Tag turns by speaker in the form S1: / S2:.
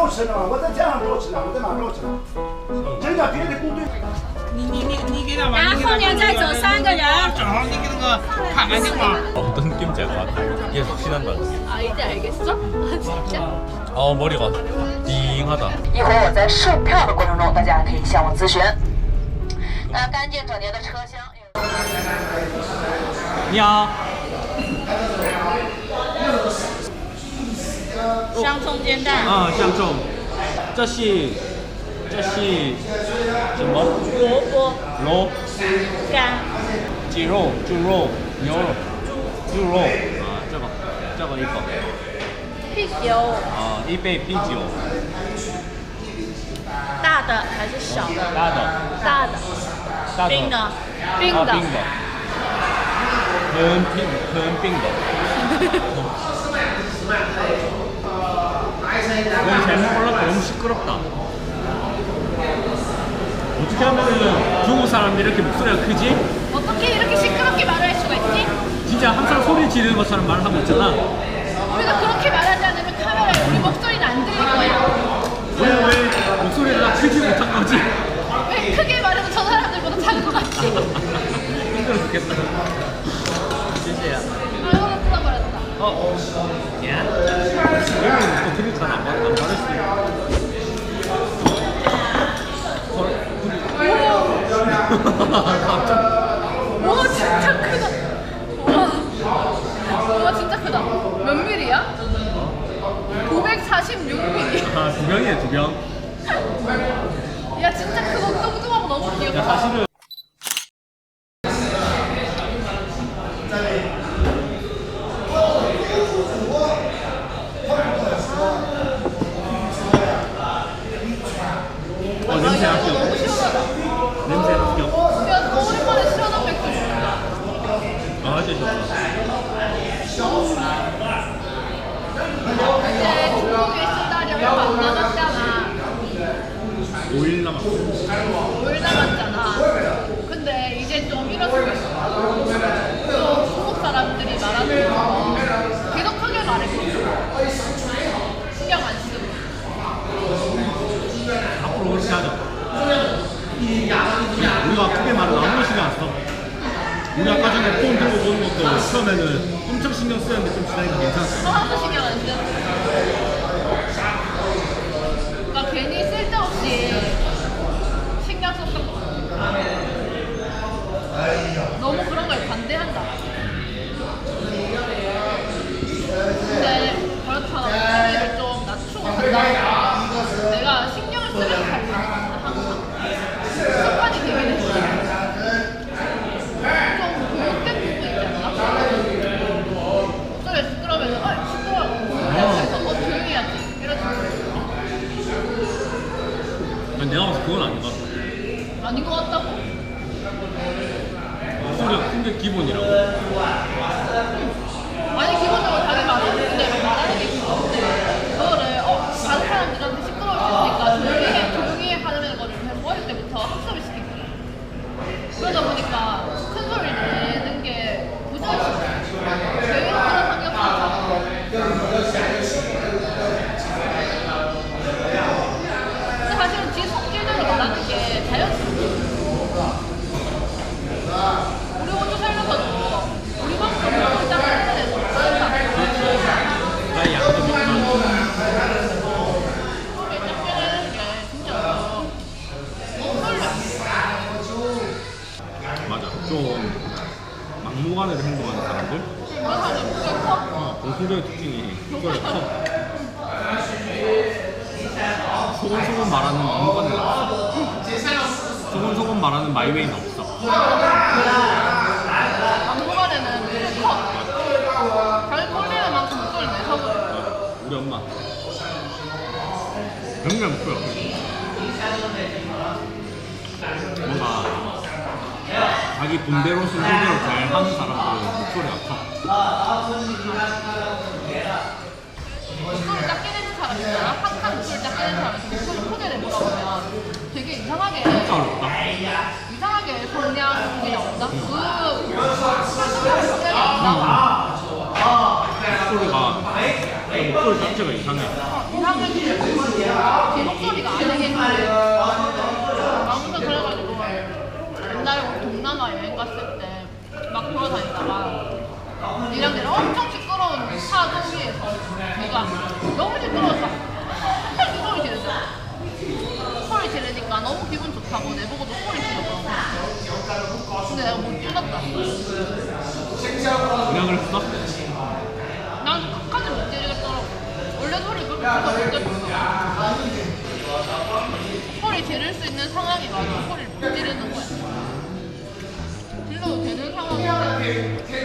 S1: 肉吃呢，我在天上肉吃呢，我在哪肉吃呢？人家别的部队。
S2: 你给他吧。
S3: 然后后面再走3个人。
S2: 正好你给那个看看情况。
S4: 어떤 느낌인지 알 것 같아. 계속 신한 것 같아.
S3: 아 이제 알겠어? 진짜?
S4: 머리가 띵하다.
S5: 一会儿我在售票的过程中，大家可以向我咨询。那干净整洁的车厢。
S4: 你好。
S3: 香葱煎蛋。
S4: 香葱。这是什么？
S3: 萝卜。
S4: 肉。
S3: 干。
S4: 鸡肉、猪肉、牛肉、猪肉。这个一个。
S3: 啤酒。
S4: 一杯啤酒。
S3: 大的还是小的？
S4: 大的。
S3: 大的。冰的。冰的。
S4: 冰的。很冰的。너무 잘못 골랐다. 너무 시끄럽다. 어떻게 하면 중국 사람들이 이렇게 목소리가 크지?
S3: 어떻게 이렇게 시끄럽게 말할 수가 있지?
S4: 진짜 항상 소리 지르는 것처럼 말을 하고 있잖아.
S3: 우리가 그렇게 말하지 않으면 카메라에 우리 목소리는 안 들릴 거야.
S4: 왜 목소리를 다 크지 못한 거지?
S3: 왜 크게 말해도 저 사람들보다 작은 것 같지?
S4: 힘들어 죽겠다. 진짜야.
S3: 아, 이거는 뜯어버렸다.
S4: 야? 여기는 또 그릇간 안 받을 수 있어.
S3: 와 진짜 크다. 와 진짜 크다. 몇 밀이야? 946mm.
S4: 두 병이네, 두 병.
S3: 야 진짜 크고 뚱뚱하고 너무 귀엽다.
S4: 야, 사실은 냄새
S3: 야,
S4: 합격.
S3: 이거 너무 시원하다.
S4: 냄새 합격.
S3: 야 오랜만에 시원한 맥주.
S4: 진짜 좋다.
S3: 이제 중국에 있으려면 안 남았잖아.
S4: 5일 남았어.
S3: 5일 남았잖아. 근데 이제 좀 일어서고 있어. 또 중국 사람들이 말하는 거 계속 크게 말해. 신경 안 쓰고.
S4: 앞으로 그렇게 하자. 우리가 크게 말은 아무리 신경 안 써. 우리 아까 전에 폰 들고 보는 것도 처음에는 엄청 신경 쓰였는데 좀 지나니까 괜찮았어.
S3: 하나도 신경 안 쓰. 그러니까 괜히 쓸데없이 신경 썼던 거 같아. 너무 그런 걸 반대한다. 근데 그렇다고 소리를 좀 낮추고 간다. 내가 신경을 쓰면서 잘 가는 항상 습관이 되긴 했어. 좀 교육된 부분 있지 않나? 목소리가 시끄러우면 시끄러워. 그래서 조용히 해야지. 이런 식으로.
S4: 내가 봐서 그건 아닌 것 같아.
S3: 아닌 것 같다고?
S4: 목소리가 큰 게 기본이라고.
S3: 아니 기본적으로 자기 말하는 대로 말하는 게 기본인데 그거를 다른 사람들한테 시끄러울 수 있으니까 조용히 하는 거를 계속 어릴 때부터 학습을 시킨 거야. 그러다 보니까 큰 소리 내는 게 부자연스러워. 조용히 하는 환경이 많아. 근데 사실은 지 성질대로 말하는 게 자연스러워. 우리 호주 살면서도 우리만큼 그렇게 짝짝하는 애도 다른 사람.
S4: 나의 양도 비슷한.
S3: 소리 짝짝하는 게 진짜 너무 떨려.
S4: 맞아. 좀 막무가내로 행동하는 사람들.
S3: 맞아, 목소리 커.
S4: 공통적인 특징이 목소리가 커. 소곤소곤 말하는 막무가내가 없어. 소곤소곤 말하는 마이웨이는 없어.
S3: 막무가내는 목소리 커. 잘 꼴리는 만큼 목소리 내서 그래.
S4: 우리 엄마. 맨날 목소리가 커. 뭔가 자기 분대로 순서대로 잘 하는 사람들은 목소리가 커.
S3: 목소리 작게 내는 사람 있잖아. 항상 목소리 작게 내는 사람한테 목소리 크게 내보라고 하면 되게 이상하게
S4: 진짜 어렵다.
S3: 이상하게 성량이 나온다? 성량이 안 나와.
S4: 목소리가 목소리 자체가 이상해.
S3: 이상하게 제 목소리가 안 되겠고 아무튼 그래가지고 옛날에 우리 동남아 여행 갔을 때 막 돌아다니다가 니랑 내랑 엄청 시끄러운 차도 위에서 내가 너무 시끄러워서 한참 소리 지르잖아. 소리 지르니까 너무 기분 좋다고 내보고도 소리 지르고 근데 내가 못 질렀다.
S4: 내가 그랬어?
S3: 난 끝까지 못 지르겠더라고. 원래 소리 그렇게 크게 못 지르겠어. 소리 지를 수 있는 상황이 와도 소리를 못 지르는 거야. 질러도 되는 상황인데